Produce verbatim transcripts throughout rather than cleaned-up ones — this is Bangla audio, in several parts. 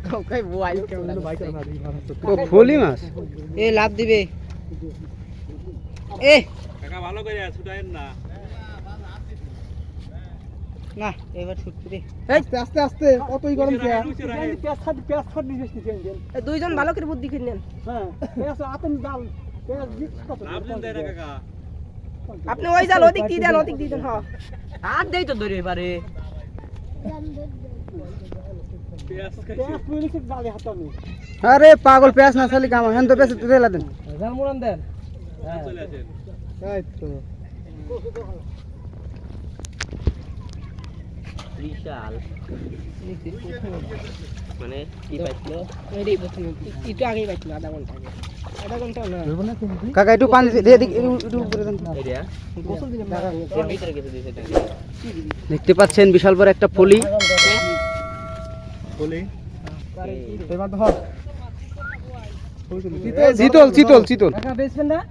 ও ফলি মাছ এ লাভ দিবে এ কাকা ভালো করে ছুটায়েন না না এবার ছুটতে দে আস্তে আস্তে আস্তে কতই গরম কে পেঁয়াজ খাট পেঁয়াজ খাট নিয়ে এসেছি এই দুইজন ভালো করে বুদ্ধি করে নেন হ্যাঁ পেঁয়াজ আতন ডাল পেঁয়াজ দিক কত লাভ দিন দেয় না কাকা আপনি ওই জাল ওদিক দিয়ে দেন ওদিক দিয়ে দেন হ্যাঁ আর দেই তো ধরে এবারে পেঁয়াজ পেঁয়াজ পুলিশের ডালে হাতানো আরে পাগল পেঁয়াজ না খালি কাম হেন তো পেঁয়াজ তেলা দেন জাল মুরান দেন চলে আসেন এই তো বিশাল মানে কি পাইছিল এই প্রথমে একটু আগেই পাইছিল আধা ঘন্টা আগে আধা ঘন্টা না কাকা একটু পানি দিয়ে দিক একটু উপরে দেন এরিয়া গোসল দিলাম এর ভিতরে কিছু দিছে দেখতে পাচ্ছেন বিশাল বড় একটা ফলি বলি এবার ধর চিতল চিতল চিতল টাকা বেচবেন না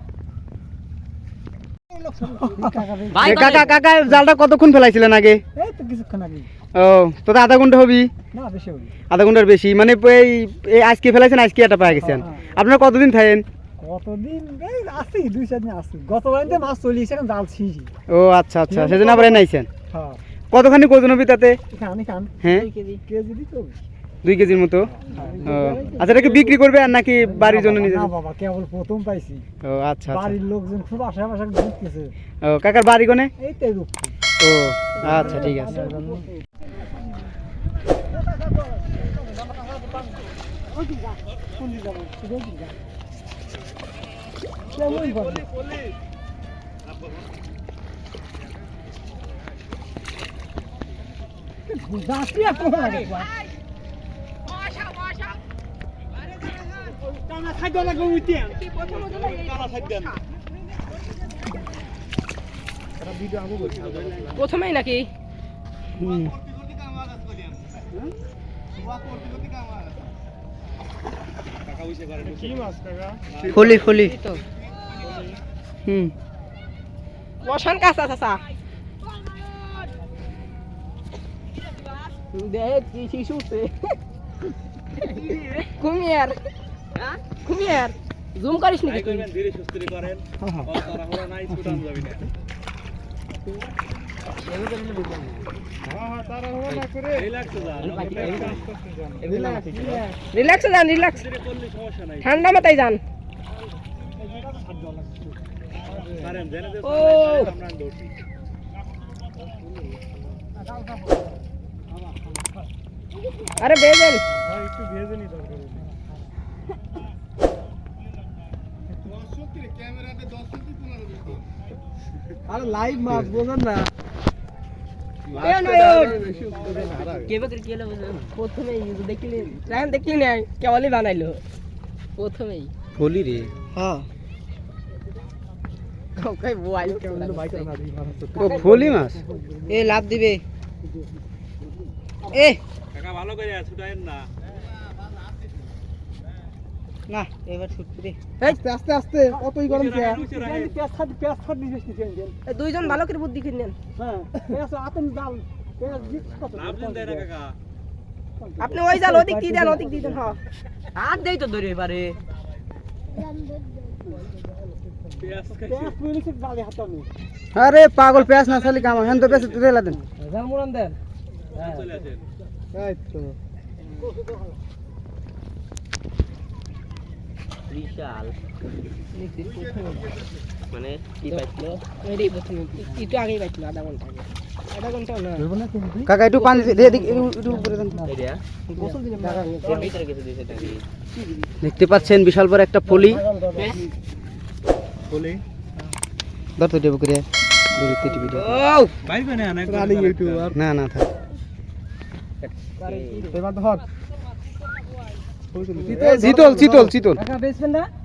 ভাই কাকা কাকা জালটা কতক্ষণ ফেলাইছিলেন আগে এই তো কিছুক্ষণ আগে ও তো আধা ঘন্টা হবি না বেশি হবে আধা ঘন্টার বেশি মানে এই এই আজকে ফেলাইছেন আজকে এটা পেয়ে গেছেন আপনারা কতদিন থাকেন কতদিন এই আসি দুই চার দিন আসি গতবারে মাছ চল্লিশ এখন জাল ছিঁড়ি ও আচ্ছা আচ্ছা সেজন্য আবার নাইছেন হ্যাঁ কতখানি ওজন হবে তাতে এখানে খান হ্যাঁ কেজি কেজি দিত দুই কেজির মতো ও আচ্ছা এটাকে বিক্রি করবে আর নাকি বাড়ির জন্য নিজে না বাবা কেবল প্রথম পাইছি ও আচ্ছা আচ্ছা বাড়ির লোকজন খুব আশেপাশে ঘুরতেছে ও কাকার বাড়ি কোনে এই তো রূপ ও আচ্ছা ঠিক আছে খাদ্য লাগবে উঠে প্রথমেই নাকি ফলি ফলি হুম বসান কাঁচা চাচা দেখ কি শিশুতে কুমিয়ার কুমিয়ার জুম করিস নাকি তুই ধীরে সুস্থ করেন তাড়াহুড়া নাই ছুটান যাবি না রিল্যাক্সে যান রিল্যাক্স ঠান্ডা মাথায় যান ও আরে বেজেন একটু ভেজে নি দরকার আরে লাইভ মাছ বোঝেন না প্রথমেই দেখলি দেখলি না কেবলই বানাইলো প্রথমেই ফলি রে হ্যাঁ ও ফলি মাছ এ লাভ দিবে এ কাকা ভালো করে ছুটায়েন না না এবার ছুটতে দে আস্তে আস্তে আস্তে কতই গরম কে পেঁয়াজ খাট পেঁয়াজ খাট নিয়ে এসেছি এই দুইজন ভালো করে বুদ্ধি করে নেন হ্যাঁ পেঁয়াজ আতন ডাল পেঁয়াজ দিক কত লাভ দিন দেয় না কাকা আপনি ওই জাল ওদিক দিয়ে দেন ওদিক দিয়ে দেন হ্যাঁ আর দেই তো ধরে এবারে পেঁয়াজ পেঁয়াজ পুলিশের ডালে হাতানো আরে পাগল পেঁয়াজ না খালি কাম হেন তো পেঁয়াজ তেলা দেন জাল মুরান দেন চলে আসেন এই তো বিশাল মানে কি পাইছিল এই প্রথমে একটু আগেই পাইছিল আধা ঘন্টা আগে আধা ঘন্টা না কাকা একটু পানি দিয়ে দিক একটু উপরে দেন এরিয়া গোসল দিলাম এর ভিতরে কিছু দিছে নাকি দেখতে পাচ্ছেন বিশাল বড় একটা ফলি বলি ধর তো দেব করে দূরে টিভি ভিডিও ও বাইবে না অনেক রানিং ইউটিউবার না না থাক এবার ধর চিতল চিতল চিতল টাকা বেচবেন না